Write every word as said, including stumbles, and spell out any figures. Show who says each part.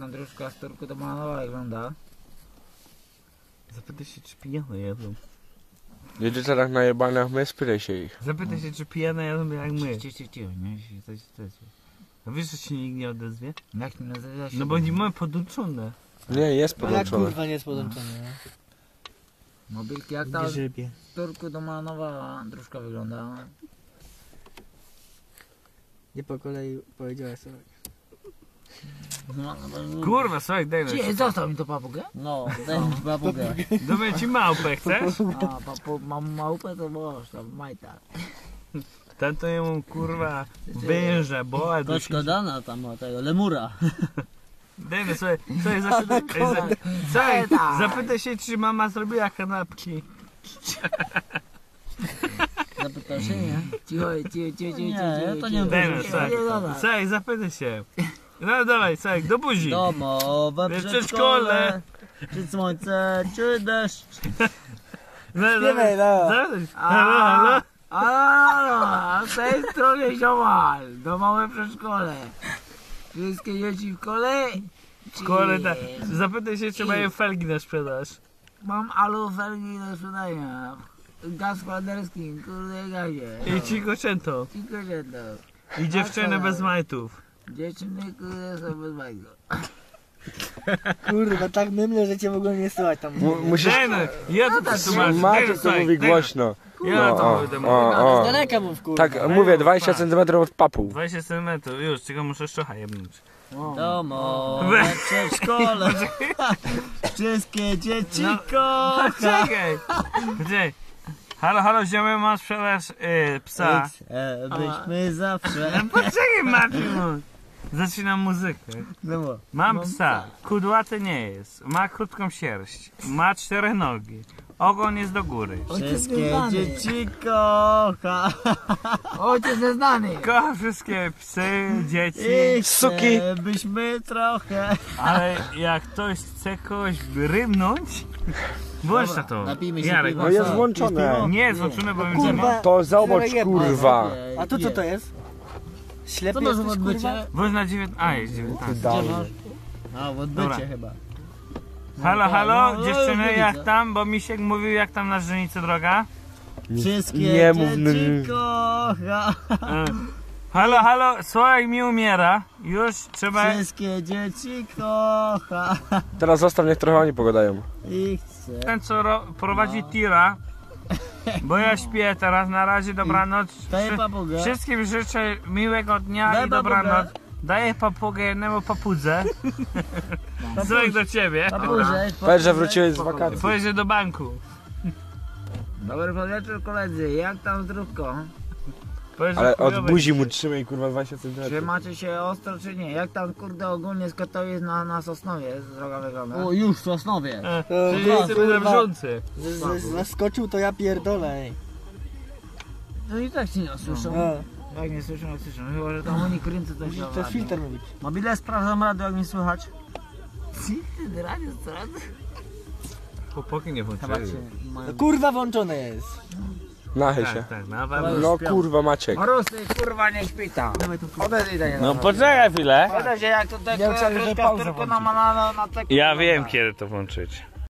Speaker 1: tam dróżka z Turku do Manowa wygląda.
Speaker 2: Zapytaj się, czy pijane jedzą.
Speaker 3: Jedzie teraz na jebanach, my spytaj się ich.
Speaker 2: Zapytaj się, czy pijane jedzą jak my.
Speaker 1: Cicho, cicho, cicho, nie? Jeśli coś, coś.
Speaker 2: No wiesz, że się nikt nie odezwie?
Speaker 1: Jak nie nazywa się?
Speaker 2: No bo nie mamy poduczone.
Speaker 3: Nie, jest
Speaker 4: No jak
Speaker 3: podłączone.
Speaker 4: kurwa nie jest podłączony, nie?
Speaker 1: Mobilki, jak ta
Speaker 4: Nie żybie.
Speaker 1: z Turku do Manowa dróżka wygląda?
Speaker 4: Nie po kolei powiedziałeś sobie.
Speaker 1: No, no,
Speaker 2: Kurwa, słuchaj, daj
Speaker 1: Cicho,
Speaker 2: nam.
Speaker 1: zostaw mi to papugę.
Speaker 4: No, daj mi babugę.
Speaker 2: Damy ci małpę, chcesz?
Speaker 1: A, papu, mam małpę, to możesz tam, majta.
Speaker 2: Ten to jemu kurwa węża, boa dusi.
Speaker 4: Koczko dana tam o tego, lemura.
Speaker 2: Dajmy sobie, sobie zapytaj, ej, za, słuchaj, zapytaj się, czy mama zrobiła kanapki.
Speaker 4: Zapytał się, nie?
Speaker 1: Cicho, cicho, cicho, cicho,
Speaker 4: Nie,
Speaker 1: cicho,
Speaker 4: ja to
Speaker 1: cicho.
Speaker 4: nie
Speaker 2: Dajmy,
Speaker 4: wiem.
Speaker 2: słuchaj,
Speaker 1: Nie, dobra.
Speaker 2: słuchaj, zapytaj się. No dawaj, słuchaj, do buzi.
Speaker 4: Domowe
Speaker 2: Wiesz,
Speaker 4: przedszkole. Czy słońce, czy deszcz.
Speaker 2: No,
Speaker 4: Śpiewaj, no.
Speaker 2: Zapytaj się. Halo, halo.
Speaker 1: A, z tej strony ziomal, do małe przedszkole. Wszystkie dzieci w kole?
Speaker 2: W szkole, tak. Zapytaj się, czy mają felgi na sprzedaż.
Speaker 1: Mam alufelgi do sprzedania. Gaz chładerski, kurde gazie.
Speaker 2: I ci koczęto.
Speaker 1: Tylko jedno.
Speaker 2: I dziewczyny bez majtów.
Speaker 1: Dziewczyny, kurde, są bez bajko.
Speaker 4: Kurwa, tak mymle, że cię w ogóle nie słychać tam.
Speaker 3: Mu- Musisz...
Speaker 2: Daj no, ja to przetłumaczę.
Speaker 3: Maciek to mówi głośno.
Speaker 2: Ja
Speaker 3: No,
Speaker 2: to
Speaker 3: o,
Speaker 2: będę
Speaker 3: o,
Speaker 2: mówił.
Speaker 3: o.
Speaker 4: Z daleka mów, kurwa.
Speaker 3: Tak, mówię, dwadzieścia centymetrów od papu.
Speaker 2: dwadzieścia centymetrów, już, tylko muszę szczocha jebnąć.
Speaker 4: Domowe przedszkole. Wszystkie dzieci
Speaker 2: No.
Speaker 4: kocha.
Speaker 2: Czekaj! Czekaj. Halo, halo, ziomy, mam sprzedaż y, psa.
Speaker 4: X, e, byśmy zawsze.
Speaker 2: No poczekaj, Marcin. Zaczynam muzykę.
Speaker 4: No bo.
Speaker 2: Mam psa. Kudłaty nie jest. Ma krótką sierść. Ma cztery nogi. Ogon jest do góry.
Speaker 4: Wszystkie dzieci kocha.
Speaker 1: Ojciec nieznany.
Speaker 2: Kocha wszystkie psy, dzieci.
Speaker 4: I
Speaker 3: Suki.
Speaker 4: chce, byśmy trochę.
Speaker 2: Ale jak ktoś chce kogoś rymnąć, włącz na to.
Speaker 4: Napijmy się
Speaker 2: Jarek,
Speaker 4: piwa.
Speaker 3: No jest
Speaker 4: Co?
Speaker 3: włączone.
Speaker 4: piwo?
Speaker 2: nie jest włączone, bo
Speaker 4: Kurwa.
Speaker 2: będziemy.
Speaker 3: To zobacz, kurwa.
Speaker 4: A tu co to jest? Ślepy
Speaker 1: Co masz w
Speaker 4: jesteś,
Speaker 1: odbycie?
Speaker 4: kurwa?
Speaker 2: Włącz na dziewiętnaście. A, jest dziewiętnaście.
Speaker 3: Dalej.
Speaker 4: A, w
Speaker 2: Dobra.
Speaker 4: odbycie chyba.
Speaker 2: Halo, halo,
Speaker 4: no,
Speaker 2: dziewczyny,
Speaker 4: no,
Speaker 2: jak
Speaker 4: widzę.
Speaker 2: tam? Bo Misiek mówił, jak tam na żenicy droga.
Speaker 4: Wszystkie
Speaker 3: Nie mów,
Speaker 4: dzieci
Speaker 3: n-
Speaker 4: kocha.
Speaker 2: E, Halo, halo, Sławek mi umiera. Już trzeba...
Speaker 4: Wszystkie dzieci kocha.
Speaker 3: Teraz zostaw, niech trochę oni pogadają.
Speaker 4: I chce.
Speaker 2: Ten, co ro... prowadzi tira. Bo ja śpię teraz, na razie, dobranoc.
Speaker 4: Daję
Speaker 2: Wszy-
Speaker 4: papugę.
Speaker 2: Wszystkim życzę miłego dnia
Speaker 4: Daj
Speaker 2: i dobranoc.
Speaker 4: papugę.
Speaker 2: Daję papugę jednemu papudze. Sławek do ciebie.
Speaker 4: Papurze,
Speaker 3: Powiedz, że wróciłeś z wakacji.
Speaker 2: Pojedzie do banku.
Speaker 1: Dobry wieczór koledzy, jak tam zdrówko?
Speaker 2: Powiedz, że
Speaker 3: Ale od
Speaker 2: chujowy
Speaker 3: buzi mu
Speaker 2: jesteś.
Speaker 3: trzymaj, kurwa, dwadzieścia
Speaker 1: Czy
Speaker 3: centymetrów.
Speaker 1: macie się ostro czy nie? Jak tam kurde ogólnie z Katowic na, na Sosnowie droga wygląda?
Speaker 4: O, już w Sosnowie.
Speaker 2: E,
Speaker 4: To
Speaker 2: Czyli
Speaker 4: kurwa,
Speaker 2: jesteśmy na
Speaker 4: kurwa.
Speaker 2: wrzący.
Speaker 4: Z- z- Zaskoczył to ja pierdolę. ej.
Speaker 1: No i tak się nie słyszą.
Speaker 4: A,
Speaker 1: Jak nie słyszą, jak słyszą. Chyba, że tam oni kręcą coś
Speaker 4: to jest filtr mówić.
Speaker 1: Mobile sprawdzam radio, jak mi słychać. Filtr radio, co?
Speaker 2: Chłopaki nie
Speaker 4: Chyba
Speaker 2: włączyli.
Speaker 4: się... No, kurwa włączone jest.
Speaker 3: Nachy
Speaker 2: Tak,
Speaker 3: się.
Speaker 2: tak, na pewno.
Speaker 3: No kurwa, Maciek.
Speaker 1: Marusy, kurwa, nie śpita. Odejdź do niego.
Speaker 2: No poczekaj chwilę.
Speaker 1: Podejdź się jak tutaj
Speaker 4: Ja myślałem, że
Speaker 1: troszkę
Speaker 4: pauzę
Speaker 1: tylko
Speaker 4: włączyć.
Speaker 1: na, na, na, na te
Speaker 2: Ja wiem, kiedy to włączyć.